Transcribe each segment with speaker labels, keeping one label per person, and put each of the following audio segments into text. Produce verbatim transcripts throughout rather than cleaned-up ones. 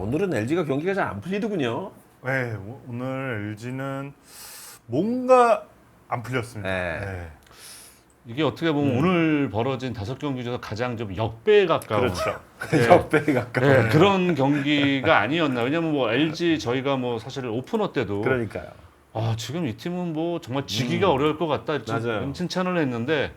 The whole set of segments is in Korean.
Speaker 1: 오늘은 엘지가 경기가 잘 안 풀리더군요.
Speaker 2: 네, 오- 오늘 엘지는 뭔가 안 풀렸습니다.
Speaker 1: 네.
Speaker 2: 네.
Speaker 3: 이게 어떻게 보면
Speaker 1: 음.
Speaker 3: 오늘 벌어진 다섯 경기 중에서 가장 좀 역배에 가까운
Speaker 2: 그렇죠.
Speaker 3: 네.
Speaker 1: 역배에 가까운.
Speaker 3: 네, 그런 경기가 아니었나. 왜냐면 뭐 엘지 저희가 뭐 사실 오프너 때도
Speaker 1: 그러니까요.
Speaker 3: 아 지금 이 팀은 뭐 정말 지기가 어려울 것 같다
Speaker 1: 맞아요.
Speaker 3: 좀 칭찬을 했는데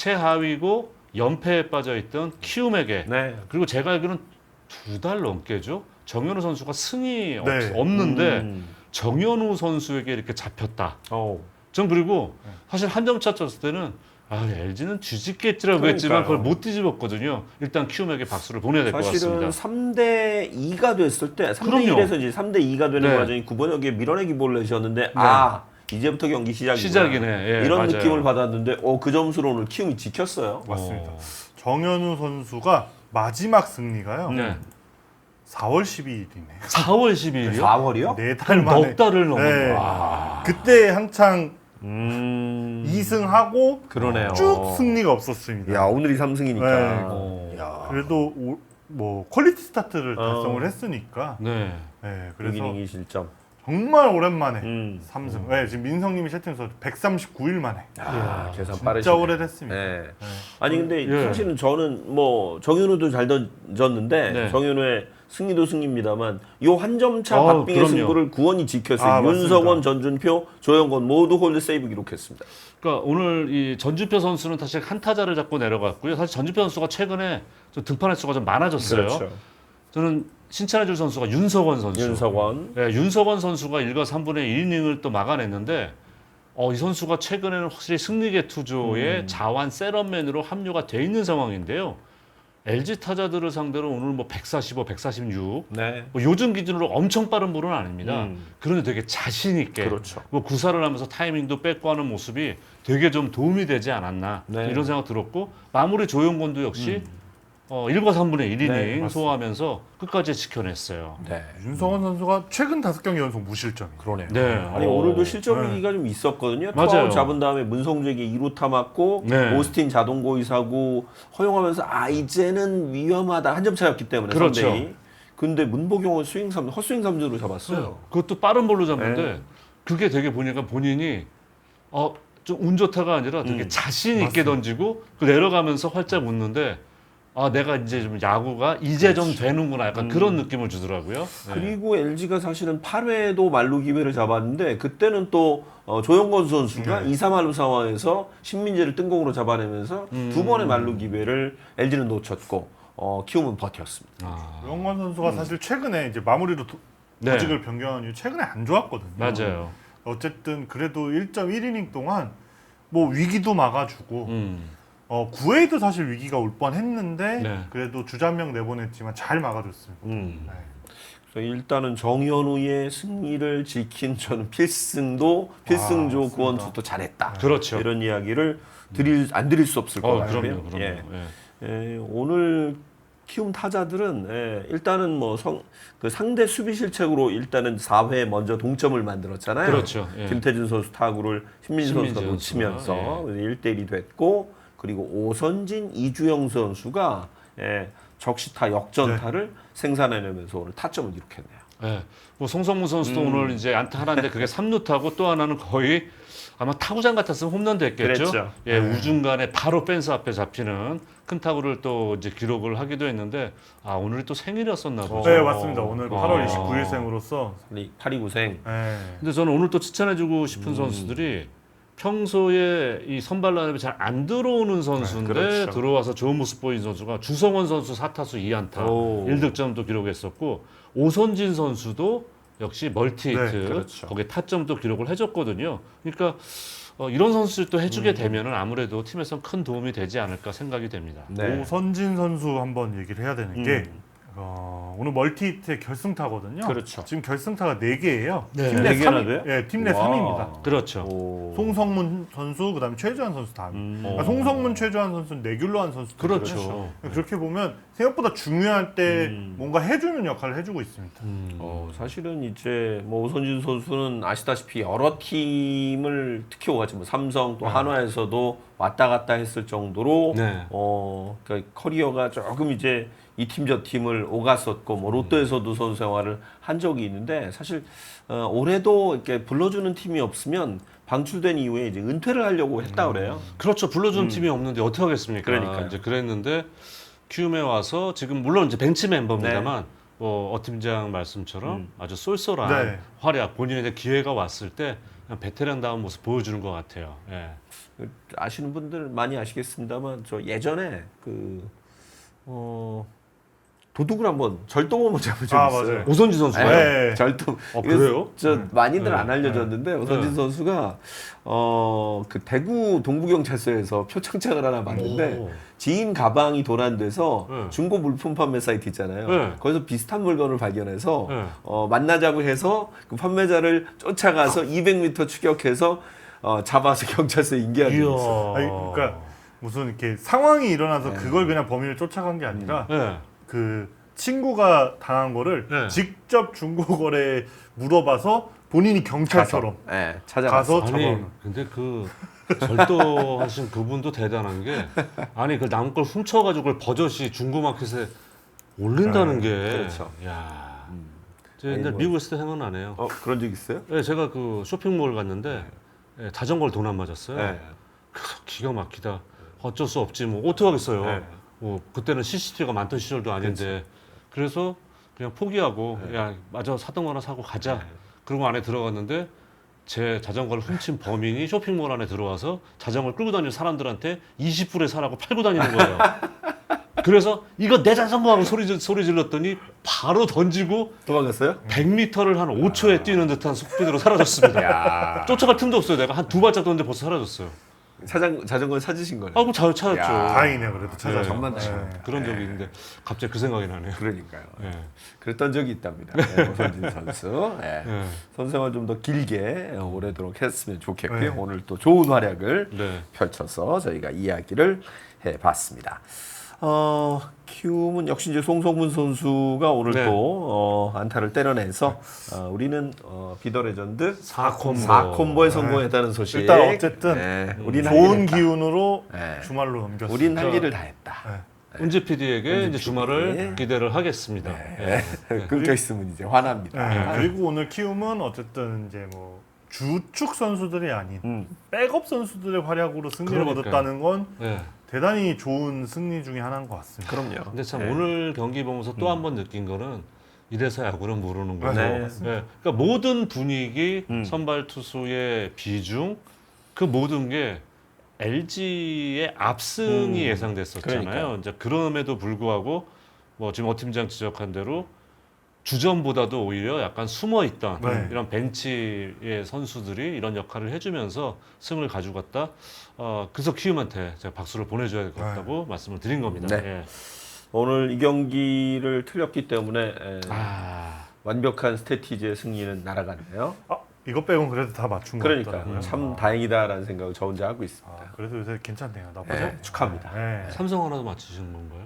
Speaker 3: 최하위고 연패에 빠져 있던 키움에게
Speaker 1: 네.
Speaker 3: 그리고 제가 알기로는 두 달 넘게죠. 정현우 선수가 승이 없,
Speaker 2: 네.
Speaker 3: 없는데
Speaker 1: 음.
Speaker 3: 정현우 선수에게 이렇게 잡혔다.
Speaker 1: 어.
Speaker 3: 전 그리고
Speaker 2: 네.
Speaker 3: 사실 한 점 차 쳤을 때는 아 엘지는 뒤집겠지라고
Speaker 1: 그러니까요.
Speaker 3: 했지만 그걸 못 뒤집었거든요. 일단 키움에게 박수를 보내야 될 것
Speaker 1: 사실은
Speaker 3: 같습니다.
Speaker 1: 삼 대 이가 됐을 때 삼 대
Speaker 3: 그럼요.
Speaker 1: 일에서 이제 삼 대 이가 되는
Speaker 3: 네.
Speaker 1: 과정이 구번역에 밀어내기 볼을 내셨는데 아 이제부터 경기 시작이구나.
Speaker 3: 시작이네. 예,
Speaker 1: 이런
Speaker 3: 맞아요.
Speaker 1: 느낌을 받았는데 어, 그 점수로 오늘 키움이 지켰어요.
Speaker 2: 맞습니다.
Speaker 3: 어.
Speaker 2: 정현우 선수가 마지막 승리가요.
Speaker 3: 네.
Speaker 2: 사월 십이일이네요.
Speaker 3: 사월 십이일이요?
Speaker 1: 사월이요?
Speaker 2: 네 달 만에.
Speaker 3: 넉 달을 넘은
Speaker 2: 네.
Speaker 3: 와.
Speaker 2: 그때 한창
Speaker 1: 음.
Speaker 2: 이 승하고
Speaker 1: 그러네요.
Speaker 2: 쭉 승리가 없었습니다.
Speaker 1: 야 오늘이 삼 승이니까.
Speaker 2: 네.
Speaker 3: 어.
Speaker 1: 야.
Speaker 2: 그래도 오, 뭐 퀄리티 스타트를
Speaker 1: 어.
Speaker 2: 달성을 했으니까
Speaker 3: 네.
Speaker 2: 네,
Speaker 1: 그래서
Speaker 2: 그래서
Speaker 1: 이닝이 실점.
Speaker 2: 정말 오랜만에
Speaker 1: 음.
Speaker 2: 삼 승. 네, 지금 민성님이 채팅에서 백삼십구 일 만에
Speaker 1: 아, 계산
Speaker 2: 진짜
Speaker 1: 빠르시네.
Speaker 2: 오래됐습니다.
Speaker 1: 네.
Speaker 2: 네.
Speaker 1: 아니 근데
Speaker 3: 예.
Speaker 1: 사실은 저는 뭐 정현우도 잘 던졌는데
Speaker 3: 네.
Speaker 1: 정현우의 승리도 승리입니다만 요 한 점 차
Speaker 3: 아,
Speaker 1: 박빙의
Speaker 3: 그럼요.
Speaker 1: 승부를 구원이 지켰어요.
Speaker 2: 아,
Speaker 1: 윤석원,
Speaker 2: 맞습니다.
Speaker 1: 전준표, 조영건 모두 홀드 세이브 기록했습니다.
Speaker 3: 그러니까 오늘 이 전주표 선수는 사실 한 타자를 잡고 내려갔고요. 사실 전주표 선수가 최근에 좀 등판 횟수가 좀 많아졌어요. 저는 칭찬해줄 선수가 윤석원 선수.
Speaker 1: 윤석원.
Speaker 3: 네, 윤석원 선수가 일과 삼분의 일 이닝을 또 막아냈는데 어, 이 선수가 최근에는 확실히 승리계 투조의
Speaker 1: 음.
Speaker 3: 자완 세럼맨으로 합류가 돼 있는 상황인데요. 엘지 타자들을 상대로 오늘 뭐 백사십오, 백사십육
Speaker 1: 네.
Speaker 3: 뭐 요즘 기준으로 엄청 빠른 볼은 아닙니다.
Speaker 1: 음.
Speaker 3: 그런데 되게 자신 있게
Speaker 1: 그렇죠.
Speaker 3: 뭐 구사를 하면서 타이밍도 뺏고 하는 모습이 되게 좀 도움이 되지 않았나
Speaker 1: 네.
Speaker 3: 이런 생각 들었고 마무리 조용건도 역시 어, 일과 삼분의 일 이닝
Speaker 1: 네, 맞습니다.
Speaker 3: 소화하면서 끝까지 지켜냈어요.
Speaker 1: 네.
Speaker 2: 윤성원 선수가 최근 다섯 경기 연속 무실점이에요.
Speaker 1: 그러네요.
Speaker 3: 네.
Speaker 1: 아니
Speaker 3: 어.
Speaker 1: 오늘도 실점 위기가 좀 있었거든요.
Speaker 3: 맞아요.
Speaker 1: 투아웃 잡은 다음에 문성주에게 이 루타 맞고
Speaker 3: 네.
Speaker 1: 오스틴 자동고의 사고 허용하면서 아 이제는 위험하다 한 점 차였기 때문에
Speaker 3: 그렇죠.
Speaker 1: 삼 대 이. 근데 문보경은 스윙 삼 헛스윙 삼진으로 잡았어요.
Speaker 3: 그것도 빠른 볼로 잡는데
Speaker 1: 네.
Speaker 3: 그게 되게 보니까 본인이 어, 좀 운 좋다가 아니라 되게
Speaker 1: 음.
Speaker 3: 자신 있게
Speaker 2: 맞습니다.
Speaker 3: 던지고 그 내려가면서 활짝 웃는데 아 내가 이제 좀 야구가 이제 좀 되는구나 약간
Speaker 1: 음.
Speaker 3: 그런 느낌을 주더라고요. 네.
Speaker 1: 그리고 엘지가 사실은 팔 회에도 말루 기회를 잡았는데 그때는 또 어, 조영건 선수가
Speaker 2: 네.
Speaker 1: 이, 삼 할루 상황에서 신민재를 뜬공으로 잡아내면서
Speaker 3: 음.
Speaker 1: 두 번의 말루 기회를 엘지는 놓쳤고 어, 키움은 버텼습니다.
Speaker 3: 아,
Speaker 2: 조영관 선수가 사실 최근에 이제 마무리로 도,
Speaker 3: 네.
Speaker 2: 조직을 변경한 이후 최근에 안 좋았거든요.
Speaker 3: 맞아요.
Speaker 2: 어쨌든 그래도 일 점 일 이닝 동안 뭐 위기도 막아주고
Speaker 3: 음.
Speaker 2: 어, 구 회에도 사실 위기가 올 뻔했는데
Speaker 3: 네.
Speaker 2: 그래도 주자명 내보냈지만 잘 막아줬습니다.
Speaker 1: 음.
Speaker 2: 네.
Speaker 1: 그래서 일단은 정현우의 승리를 지킨 저는 필승도 필승조
Speaker 2: 맞습니다.
Speaker 1: 구원투도 잘했다.
Speaker 3: 그렇죠.
Speaker 1: 이런 이야기를 드릴 안 드릴 수 없을 것
Speaker 3: 어,
Speaker 1: 같아요.
Speaker 3: 그럼요, 그럼요.
Speaker 1: 예.
Speaker 3: 예.
Speaker 1: 예, 오늘 키움 타자들은 예, 일단은 뭐 성, 그 상대 수비 실책으로 일단은 사 회 먼저 동점을 만들었잖아요.
Speaker 3: 그렇죠. 예.
Speaker 1: 김태준 선수 타구를 신민지 선수가
Speaker 3: 신민재
Speaker 1: 놓치면서
Speaker 3: 선수가,
Speaker 1: 일 대 일이 됐고 그리고 오선진, 이주영 선수가 예, 적시타 역전타를 생산해내면서 오늘 타점을 기록했네요.
Speaker 3: 예. 뭐 송성문 선수도
Speaker 1: 음.
Speaker 3: 오늘 이제 안타 하나인데 그게 삼 루타고 또 하나는 거의 아마 타구장 같았으면 홈런 됐겠죠.
Speaker 1: 그랬죠.
Speaker 3: 예,
Speaker 2: 네.
Speaker 3: 우중간에 바로 펜스 앞에 잡히는 큰 타구를 또 이제 기록을 하기도 했는데 아 오늘이 또 생일이었었나 보죠.
Speaker 2: 네, 맞습니다. 오늘
Speaker 3: 어.
Speaker 2: 팔월 이십구일생으로서
Speaker 1: 팔이구생.
Speaker 2: 네.
Speaker 3: 근데 저는 오늘 또 칭찬해주고 싶은
Speaker 1: 음.
Speaker 3: 선수들이 평소에 이 선발 라인업에 잘 안 들어오는 선수인데
Speaker 1: 그렇죠.
Speaker 3: 들어와서 좋은 모습 보인 선수가 주성원 선수 사 타수 이 안타
Speaker 1: 오.
Speaker 3: 일 득점도 기록했었고 오선진 선수도 역시 멀티히트
Speaker 2: 네,
Speaker 1: 그렇죠.
Speaker 3: 거기에 타점도 기록을 해줬거든요. 그러니까 어, 이런 선수를 또 해주게
Speaker 1: 음.
Speaker 3: 되면은 아무래도 팀에서 큰 도움이 되지 않을까 생각이 됩니다.
Speaker 1: 네.
Speaker 2: 오선진 선수 한번 얘기를 해야 되는 게
Speaker 1: 음.
Speaker 2: 어, 오늘 멀티히트의 결승타거든요.
Speaker 1: 그렇죠.
Speaker 2: 지금 결승타가 네 개예요.
Speaker 3: 네.
Speaker 2: 팀
Speaker 1: 네
Speaker 2: 내
Speaker 1: 개나
Speaker 2: 삼 위.
Speaker 1: 돼요?
Speaker 2: 예, 팀 내
Speaker 1: 와.
Speaker 2: 삼 위입니다.
Speaker 3: 그렇죠.
Speaker 1: 오.
Speaker 2: 송성문 선수, 그다음에 최주환 선수 다음.
Speaker 1: 음.
Speaker 2: 그러니까 송성문, 최주환 선수는 내귤로 한 선수.
Speaker 3: 그렇죠.
Speaker 2: 그렇게 보면 생각보다 중요할 때
Speaker 1: 음.
Speaker 2: 뭔가 해주는 역할을 해주고 있습니다.
Speaker 3: 음.
Speaker 1: 어, 사실은 이제 뭐 오선진 선수는 아시다시피 여러 팀을 특히 오갔지 뭐 삼성 또
Speaker 2: 네.
Speaker 1: 한화에서도 왔다 갔다 했을 정도로
Speaker 3: 네.
Speaker 1: 어, 그러니까 커리어가 조금 이제 이 팀 저 팀을 오갔었고 뭐 롯데에서도 선수 생활을 한 적이 있는데 사실 어, 올해도 이렇게 불러주는 팀이 없으면 방출된 이후에 이제 은퇴를 하려고 했다 그래요.
Speaker 3: 그렇죠. 불러주는 팀이 없는데 어떻게 하겠습니까?
Speaker 1: 그러니까요.
Speaker 3: 이제 그랬는데 키움에 와서 지금 물론 이제 벤치 멤버입니다만 뭐 어 팀장 말씀처럼
Speaker 1: 음.
Speaker 3: 아주 쏠쏠한
Speaker 2: 네.
Speaker 3: 활약, 본인의 기회가 왔을 때 그냥 베테랑다운 모습 보여주는 것 같아요. 예.
Speaker 1: 아시는 분들 많이 아시겠습니다만 저 예전에 그 어, 도둑을 한번 절도범을 잡은 적이
Speaker 2: 아,
Speaker 1: 있어요.
Speaker 2: 맞아요.
Speaker 3: 오선지 선수가요?
Speaker 2: 네.
Speaker 1: 절도.
Speaker 3: 아,
Speaker 1: 이거
Speaker 3: 그래요?
Speaker 1: 저
Speaker 2: 네.
Speaker 1: 많이들
Speaker 3: 네.
Speaker 1: 안 알려졌는데 오선진
Speaker 3: 네.
Speaker 1: 선수가 어, 그 대구 동부경찰서에서 표창장을 하나 받는데
Speaker 3: 오.
Speaker 1: 지인 가방이 도난돼서
Speaker 3: 네.
Speaker 1: 중고 물품 판매 사이트 있잖아요.
Speaker 3: 네.
Speaker 1: 거기서 비슷한 물건을 발견해서
Speaker 3: 네.
Speaker 1: 어, 만나자고 해서 그 판매자를 쫓아가서 이백 미터 추격해서 어, 잡아서 경찰서에 인계한 적이 있어요.
Speaker 2: 아니, 그러니까 무슨 이렇게 상황이 일어나서
Speaker 1: 네.
Speaker 2: 그걸 그냥 범인을 쫓아간 게 아니라
Speaker 3: 예.
Speaker 2: 그 친구가 당한 거를
Speaker 3: 네.
Speaker 2: 직접 중고거래에 물어봐서 본인이 경찰처럼
Speaker 1: 네, 찾아가서
Speaker 2: 가서
Speaker 3: 아니
Speaker 2: 잡아오는.
Speaker 3: 근데 그 절도하신 그분도 대단한 게 아니 그 남 걸 훔쳐가지고 그걸 버젓이 중고마켓에 올린다는 게
Speaker 1: 그렇죠.
Speaker 3: 야.
Speaker 1: 음.
Speaker 3: 제 옛날
Speaker 1: 아니, 뭐-
Speaker 3: 미국 있을 때 생각나네요.
Speaker 1: 어, 그런 적 있어요?
Speaker 3: 예, 제가 그 쇼핑몰 갔는데 예, 자전거를 돈 안 맞았어요.
Speaker 1: 네.
Speaker 3: 그래서 기가 막히다. 어쩔 수 없지 뭐 어떡하겠어요.
Speaker 1: 네.
Speaker 3: 뭐 그때는 씨씨티비가 많던 시절도 아닌데 그래서 그냥 포기하고 야 맞아 사던 거 하나 사고 가자. 그러고 안에 들어갔는데 제 자전거를 훔친 범인이 쇼핑몰 안에 들어와서 자전거를 끌고 다니는 사람들한테 이십 불에 사라고 팔고 다니는 거예요. 그래서 이거 내 자전거 하고 소리, 질- 소리 질렀더니 바로 던지고
Speaker 1: 도망갔어요?
Speaker 3: 백 미터를 한 오 초에 뛰는 듯한 속도로 사라졌습니다.
Speaker 1: 야.
Speaker 3: 쫓아갈 틈도 없어요. 내가 한 두 발짝 떴는데 벌써 사라졌어요.
Speaker 1: 자전 자전거 찾으신 거네.
Speaker 3: 아, 그럼 잘 찾았죠.
Speaker 1: 야.
Speaker 2: 다행이네요. 그래도 찾아서.
Speaker 1: 정말
Speaker 2: 네.
Speaker 1: 다행이다.
Speaker 3: 그런 적이 있는데 갑자기 그 생각이 나네요.
Speaker 1: 그러니까요.
Speaker 3: 예.
Speaker 1: 그랬던 적이 있답니다. 네, 오선진 선수. 네.
Speaker 3: 예.
Speaker 1: 선생활 좀 더 길게 오래도록 했으면 좋겠고요.
Speaker 2: 네.
Speaker 1: 오늘 또 좋은 활약을
Speaker 3: 네.
Speaker 1: 펼쳐서 저희가 이야기를 해봤습니다. 어, 키움은 역시 이제 송성문 선수가 오늘
Speaker 3: 네.
Speaker 1: 또 어, 안타를 때려내서 어, 우리는 어, 비더 레전드
Speaker 3: 사 콤보.
Speaker 1: 사 콤보에 성공했다는 소식.
Speaker 2: 일단 어쨌든
Speaker 1: 네, 우린 할
Speaker 2: 좋은
Speaker 1: 일을 했다.
Speaker 2: 기운으로
Speaker 1: 네.
Speaker 2: 주말로 넘겼습니다.
Speaker 1: 우린 할 일을 다 했다.
Speaker 3: 은지 피디에게 이제
Speaker 1: 은지
Speaker 3: 주말을
Speaker 1: 피디.
Speaker 3: 기대를 하겠습니다. 예.
Speaker 1: 끊겨 있으면 이제 화납니다.
Speaker 2: 네. 그리고 오늘 키움은 어쨌든 이제 뭐 주축 선수들이 아닌
Speaker 1: 음.
Speaker 2: 백업 선수들의 활약으로 승리를
Speaker 3: 그러니까요.
Speaker 2: 얻었다는 건
Speaker 3: 예.
Speaker 2: 대단히 좋은 승리 중에 하나인 것 같습니다.
Speaker 1: 그럼요.
Speaker 3: 근데 참
Speaker 1: 네.
Speaker 3: 오늘 경기 보면서 또 한 번 느낀 거는 이래서 야구는 모르는 거죠.
Speaker 1: 네.
Speaker 3: 예. 그러니까 모든 분위기,
Speaker 1: 음.
Speaker 3: 선발 투수의 비중, 그 모든 게 엘지의 압승이
Speaker 1: 음.
Speaker 3: 예상됐었잖아요.
Speaker 1: 그러니까요.
Speaker 3: 이제 그럼에도 불구하고 뭐 지금 어 팀장 지적한 대로 주전보다도 오히려 약간 숨어 있던
Speaker 2: 네.
Speaker 3: 이런 벤치의 선수들이 이런 역할을 해주면서 승을 가져갔다. 어, 그래서 키움한테 제가 박수를 보내줘야 될 것 같다고 말씀을 드린 겁니다.
Speaker 1: 네.
Speaker 3: 예.
Speaker 1: 오늘 이 경기를 틀렸기 때문에 에,
Speaker 3: 아,
Speaker 1: 완벽한 스태티지의 승리는 날아갔네요.
Speaker 2: 아, 이것 빼곤 그래도 다 맞춘 것
Speaker 1: 그러니까
Speaker 2: 같더라고요.
Speaker 1: 참 다행이다라는 생각을 저 혼자 하고 있습니다.
Speaker 2: 아, 그래도 요새 괜찮네요. 나쁘지
Speaker 1: 네,
Speaker 2: 않네요.
Speaker 1: 축하합니다.
Speaker 2: 네.
Speaker 3: 삼성 하나도 맞추신 건가요?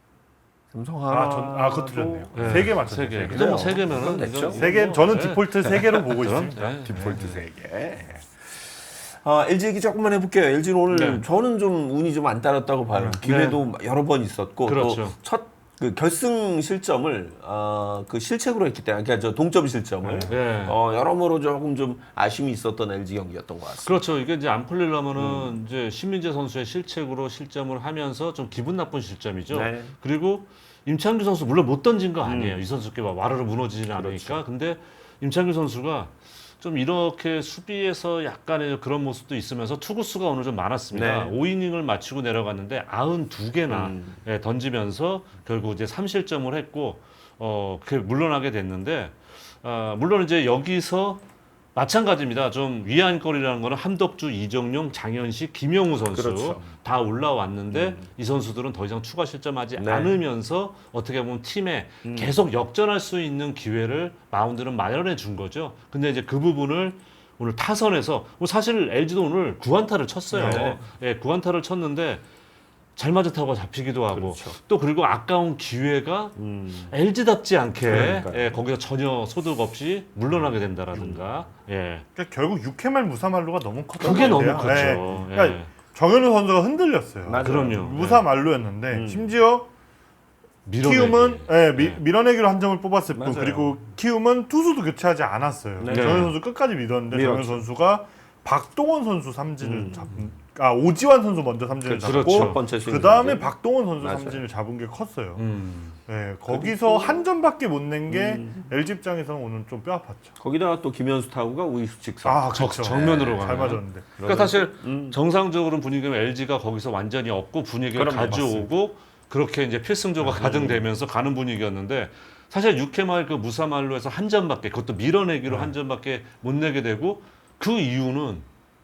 Speaker 1: 삼성
Speaker 2: 아,
Speaker 1: 하나
Speaker 2: 전, 아, 그거 틀렸네요.
Speaker 3: 네.
Speaker 2: 세 개 맞췄네요.
Speaker 3: 세 개.
Speaker 2: 세 개.
Speaker 3: 그래도 뭐세
Speaker 1: 그건
Speaker 3: 개면은
Speaker 1: 됐죠.
Speaker 3: 이건
Speaker 2: 세 개,
Speaker 3: 뭐,
Speaker 2: 저는
Speaker 3: 네.
Speaker 2: 디폴트 세 개로 보고
Speaker 3: 그럼,
Speaker 2: 있습니다.
Speaker 3: 네.
Speaker 1: 디폴트 세 개. 아, 엘지 얘기 조금만 해볼게요. 엘지는 오늘
Speaker 3: 네.
Speaker 1: 저는 좀 운이 좀 안 따랐다고 봐요. 기회도 여러 번 있었고
Speaker 3: 그렇죠.
Speaker 1: 또 첫 그 결승 실점을 어, 그 실책으로 했기 때문에 그러니까 저 동점 실점을
Speaker 3: 네.
Speaker 1: 어, 여러모로 조금 좀 아쉬움이 있었던 엘지 경기였던 것 같습니다.
Speaker 3: 그렇죠. 이게 이제 안 풀리려면은
Speaker 1: 음.
Speaker 3: 이제 신민재 선수의 실책으로 실점을 하면서 좀 기분 나쁜 실점이죠.
Speaker 1: 네.
Speaker 3: 그리고 임창규 선수 물론 못 던진 거 아니에요.
Speaker 1: 음.
Speaker 3: 이 선수께 막 와르르 무너지지는
Speaker 1: 그렇죠.
Speaker 3: 않으니까. 근데 임창규 선수가 좀 이렇게 수비에서 약간의 그런 모습도 있으면서 투구수가 오늘 좀 많았습니다.
Speaker 1: 네.
Speaker 3: 오 이닝을 마치고 내려갔는데 구십이 개나
Speaker 1: 음.
Speaker 3: 예, 던지면서 결국 이제 삼 실점을 했고 어, 그 물러나게 됐는데 아, 물론 이제 여기서 마찬가지입니다. 좀 위안거리라는 거는 함덕주, 이정용, 장현식, 김영우 선수
Speaker 1: 그렇죠.
Speaker 3: 다 올라왔는데 이 선수들은 더 이상 추가 실점하지
Speaker 1: 네.
Speaker 3: 않으면서 어떻게 보면 팀에
Speaker 1: 음.
Speaker 3: 계속 역전할 수 있는 기회를 마운드는 마련해 준 거죠. 근데 이제 그 부분을 오늘 타선에서 뭐 사실 엘지도 오늘 구안타를 쳤어요.
Speaker 1: 네.
Speaker 3: 예, 구안타를 쳤는데 잘 맞은 타구가 잡히기도 하고
Speaker 1: 그렇죠.
Speaker 3: 또 그리고 아까운 기회가
Speaker 1: 음.
Speaker 3: 엘지답지 않게
Speaker 1: 그러니까요.
Speaker 3: 예, 거기서 전혀 소득 없이 물러나게 된다라든가 예.
Speaker 2: 그러니까 결국 육 회 말 무사말로가 너무 컸던
Speaker 3: 그게
Speaker 2: 것
Speaker 3: 너무
Speaker 2: 같아요.
Speaker 3: 컸죠.
Speaker 2: 네.
Speaker 3: 예.
Speaker 2: 그러니까 정현우 선수가 흔들렸어요.
Speaker 1: 맞아요.
Speaker 3: 그럼요.
Speaker 2: 무사말로였는데
Speaker 1: 음.
Speaker 2: 심지어
Speaker 3: 밀어내기.
Speaker 2: 키움은 예, 미,
Speaker 3: 네.
Speaker 2: 밀어내기로 한 점을 뽑았을 뿐
Speaker 1: 맞아요.
Speaker 2: 그리고 키움은 투수도 교체하지 않았어요.
Speaker 1: 네.
Speaker 2: 정현 선수 끝까지 믿었는데 정현
Speaker 1: 밀었죠.
Speaker 2: 선수가 박동원 선수 삼진을
Speaker 1: 음.
Speaker 2: 잡은 아 오지환 선수 먼저 삼진을
Speaker 3: 그렇죠.
Speaker 2: 잡고
Speaker 1: 첫 번째 스윙
Speaker 2: 그 다음에
Speaker 1: 삼진.
Speaker 2: 박동원 선수
Speaker 1: 맞아요.
Speaker 2: 삼진을 잡은 게 컸어요.
Speaker 3: 음.
Speaker 2: 네, 거기서 한 점밖에 못 낸 게
Speaker 1: 음.
Speaker 2: 엘지 입장에서는 오늘 좀 뼈 아팠죠.
Speaker 1: 거기다가 또 김현수 타구가 우익수 직선.
Speaker 2: 아,
Speaker 3: 적-
Speaker 2: 그쵸.
Speaker 3: 정면으로
Speaker 2: 네, 잘
Speaker 3: 가네요.
Speaker 2: 맞았는데.
Speaker 3: 그러니까 사실
Speaker 1: 음.
Speaker 3: 정상적으로 분위기면 엘지가 거기서 완전히 업고 분위기를
Speaker 1: 그럼요,
Speaker 3: 가져오고 그렇게 이제 필승조가 가등되면서 가는 분위기였는데 사실 육 회 말 그 무사말로에서 한 점밖에 그것도 밀어내기로
Speaker 2: 네.
Speaker 3: 한 점밖에 못 내게 되고 그 이유는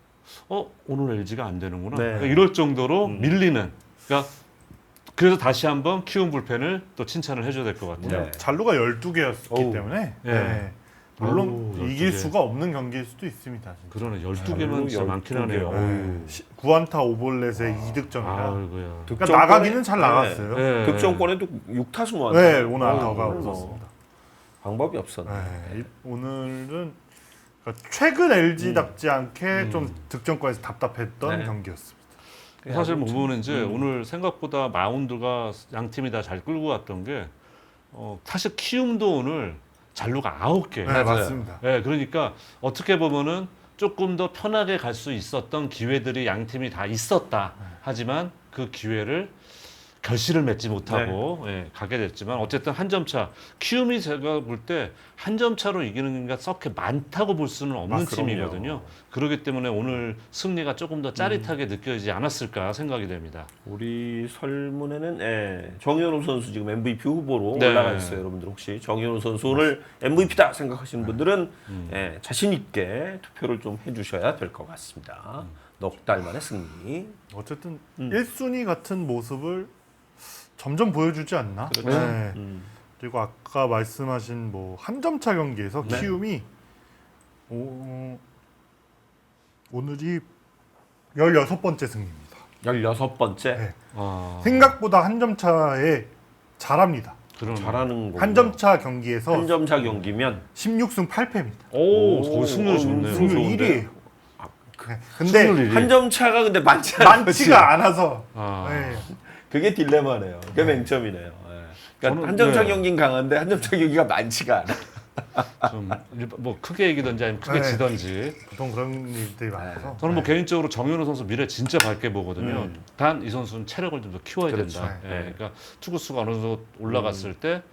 Speaker 3: 어 오늘 엘지가 안 되는구나
Speaker 1: 네.
Speaker 3: 그러니까 이럴 정도로
Speaker 1: 음.
Speaker 3: 밀리는 그러니까 그래서 다시 한번 키움 불펜을 또 칭찬을 해줘야 될 것 같아요.
Speaker 1: 네.
Speaker 2: 잔루가 열두 개였기
Speaker 1: 어우.
Speaker 2: 때문에
Speaker 3: 예.
Speaker 2: 네. 물론
Speaker 3: 어우, 열두
Speaker 2: 이길
Speaker 3: 개.
Speaker 2: 수가 없는 경기일 수도 있습니다. 진짜.
Speaker 3: 그러네 열두 개면 진짜
Speaker 1: 열두
Speaker 3: 많긴
Speaker 1: 개.
Speaker 3: 하네요.
Speaker 2: 네. 시- 구안타 오볼넷에 이 득점이라
Speaker 3: 아이고야.
Speaker 2: 그러니까 나가기는 잘 나갔어요. 네,
Speaker 3: 네.
Speaker 1: 득점권에도 육 타수 모았네.
Speaker 2: 오늘 안타가
Speaker 1: 오늘 뭐
Speaker 2: 없었습니다.
Speaker 1: 방법이 없었네.
Speaker 2: 네, 이- 오늘은 그러니까 최근 엘지답지 않게
Speaker 3: 음.
Speaker 2: 좀 득점권에서 답답했던
Speaker 1: 네.
Speaker 2: 경기였습니다.
Speaker 3: 사실 뭐 보면 이제
Speaker 1: 음.
Speaker 3: 오늘 생각보다 마운드가 양 팀이 다 잘 끌고 왔던 게 어, 사실 키움도 오늘 잔루가 아홉 개.
Speaker 2: 네,
Speaker 1: 맞아요.
Speaker 2: 맞습니다.
Speaker 3: 네, 그러니까 어떻게 보면은 조금 더 편하게 갈 수 있었던 기회들이 양 팀이 다 있었다. 하지만 그 기회를 결실을 맺지 못하고 예, 가게 됐지만 어쨌든 한 점 차. 키움이 제가 볼 때 한 점 차로 이기는 게 썩게 많다고 볼 수는 없는
Speaker 2: 아, 그럼요.
Speaker 3: 팀이거든요. 그렇기 때문에 오늘 승리가 조금 더 짜릿하게 느껴지지 않았을까 생각이 됩니다.
Speaker 1: 우리 설문에는 예, 정현우 선수 지금 엠브이피 후보로
Speaker 3: 네.
Speaker 1: 올라가 있어요. 여러분들 혹시 정현우 선수 오늘 엠브이피다 생각하시는 분들은
Speaker 3: 음.
Speaker 1: 예, 자신 있게 투표를 좀 해주셔야 될 것 같습니다. 넉 달 만의 승리.
Speaker 2: 어쨌든
Speaker 1: 음.
Speaker 2: 일 순위 같은 모습을 점점 보여주지 않나?
Speaker 1: 그렇죠.
Speaker 2: 네.
Speaker 1: 음.
Speaker 2: 그리고 아까 말씀하신 뭐 한 점 차 경기에서
Speaker 1: 네.
Speaker 2: 키움이 오, 오늘이 열여섯 번째 승리입니다.
Speaker 1: 열여섯 번째
Speaker 2: 네.
Speaker 3: 아,
Speaker 2: 생각보다 한 점 차에 잘합니다.
Speaker 3: 그러네.
Speaker 1: 잘하는 거.
Speaker 2: 한 점 차 경기에서
Speaker 1: 한 점 차 경기면
Speaker 2: 십육 승 팔 패입니다.
Speaker 3: 오,
Speaker 1: 오,
Speaker 3: 거기 승률
Speaker 1: 어,
Speaker 3: 좋네요.
Speaker 1: 승률
Speaker 2: 승률
Speaker 1: 좋은데?
Speaker 2: 일 위예요.
Speaker 1: 그-
Speaker 2: 근데
Speaker 3: 승률 일 위.
Speaker 1: 한 점 차가 근데 많지 않아요.
Speaker 2: 많지가 않아서
Speaker 3: 아,
Speaker 2: 네.
Speaker 1: 그게 딜레마네요. 그게 맹점이네요. 예. 그러니까
Speaker 3: 저는-
Speaker 1: 한 점 차
Speaker 3: 네.
Speaker 1: 경기는 강한데 한 점 차 경기가 많지가 않아.
Speaker 3: 좀 뭐 크게 이기든지 아니면 크게
Speaker 2: 네.
Speaker 3: 지든지.
Speaker 2: 보통 그런 일들이 많아서
Speaker 3: 저는 뭐
Speaker 2: 네.
Speaker 3: 개인적으로 정현우 선수 미래 진짜 밝게 보거든요.
Speaker 1: 음.
Speaker 3: 단 이 선수는 체력을 좀 더 키워야
Speaker 1: 그렇죠.
Speaker 3: 된다.
Speaker 1: 네.
Speaker 3: 예, 그러니까 투구수가 어느 정도 올라갔을 때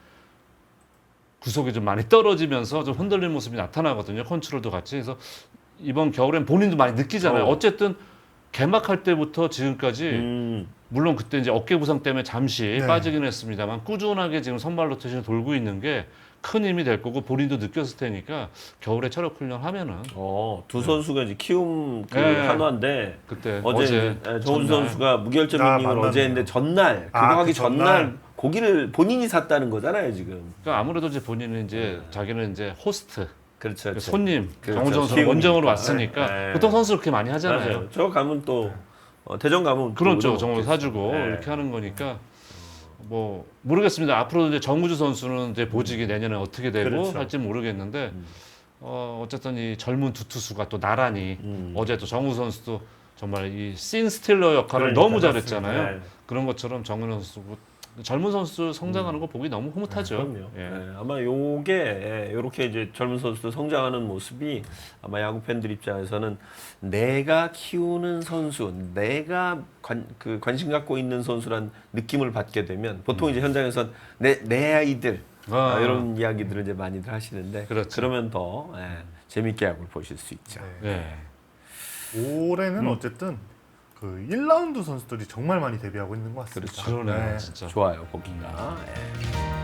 Speaker 3: 구속이 좀 많이 떨어지면서 좀 흔들리는 모습이 나타나거든요. 컨트롤도 같이. 그래서 이번 겨울엔 본인도 많이 느끼잖아요.
Speaker 1: 어.
Speaker 3: 어쨌든 개막할 때부터 지금까지
Speaker 1: 음.
Speaker 3: 물론 그때 이제 어깨 부상 때문에 잠시
Speaker 2: 네.
Speaker 3: 빠지긴 했습니다만 꾸준하게 지금 선발 로테이션을 돌고 있는 게 큰 힘이 될 거고 본인도 느꼈을 테니까 겨울에 체력 훈련 하면은
Speaker 1: 어, 두 선수가 이제 키움 그
Speaker 3: 네.
Speaker 1: 한화인데
Speaker 3: 그때
Speaker 1: 어제,
Speaker 3: 어제,
Speaker 1: 예, 정훈
Speaker 3: 전날.
Speaker 1: 선수가 무결점
Speaker 2: 아,
Speaker 1: 이닝을
Speaker 2: 만났네요.
Speaker 1: 어제 했는데 전날 그거
Speaker 2: 아,
Speaker 1: 하기
Speaker 2: 그 전날.
Speaker 1: 전날 고기를 본인이 샀다는 거잖아요 지금.
Speaker 3: 그러니까 아무래도 이제 본인은 이제 자기는 이제 호스트
Speaker 1: 그렇죠. 그렇죠.
Speaker 3: 손님
Speaker 1: 그렇죠.
Speaker 3: 정훈 선수
Speaker 1: 키움이니까.
Speaker 3: 원정으로 왔으니까
Speaker 1: 네.
Speaker 3: 보통 선수 그렇게 많이 하잖아요.
Speaker 1: 맞아요. 저 가면 또 어, 대전 가면 또
Speaker 3: 그렇죠.
Speaker 1: 우리가
Speaker 3: 정훈
Speaker 1: 먹겠죠.
Speaker 3: 사주고
Speaker 1: 네.
Speaker 3: 이렇게 하는 거니까 뭐 모르겠습니다. 앞으로 이제 정우주 선수는 이제 보직이 내년에 어떻게 되고
Speaker 1: 그렇죠.
Speaker 3: 할지 모르겠는데
Speaker 1: 음.
Speaker 3: 어, 어쨌든 이 젊은 두 투수가 또 나란히
Speaker 1: 음.
Speaker 3: 어제 또 정우 선수도 정말 이 씬 스틸러 역할을
Speaker 1: 그러니까,
Speaker 3: 너무 잘했잖아요.
Speaker 1: 네.
Speaker 3: 그런 것처럼 정은 선수 젊은 선수 성장하는 거 보기 너무 흐뭇하죠.
Speaker 1: 그럼요.
Speaker 3: 예.
Speaker 1: 예, 아마 요게 이렇게 이제 젊은 선수들 성장하는 모습이 아마 야구 팬들 입장에서는 내가 키우는 선수, 내가 관, 그 관심 갖고 있는 선수란 느낌을 받게 되면 보통 이제 현장에선 내, 내 아이들
Speaker 3: 아.
Speaker 1: 아, 이런 이야기들을 이제 많이들 하시는데
Speaker 3: 그렇죠.
Speaker 1: 그러면 더 예, 재밌게 야구를 보실 수 있죠.
Speaker 2: 네.
Speaker 3: 예.
Speaker 2: 올해는
Speaker 1: 음.
Speaker 2: 어쨌든 그 일 라운드 선수들이 정말 많이 데뷔하고 있는 것 같습니다.
Speaker 1: 그렇죠.
Speaker 3: 그러네요,
Speaker 2: 네.
Speaker 3: 진짜.
Speaker 1: 좋아요, 보기가. 예.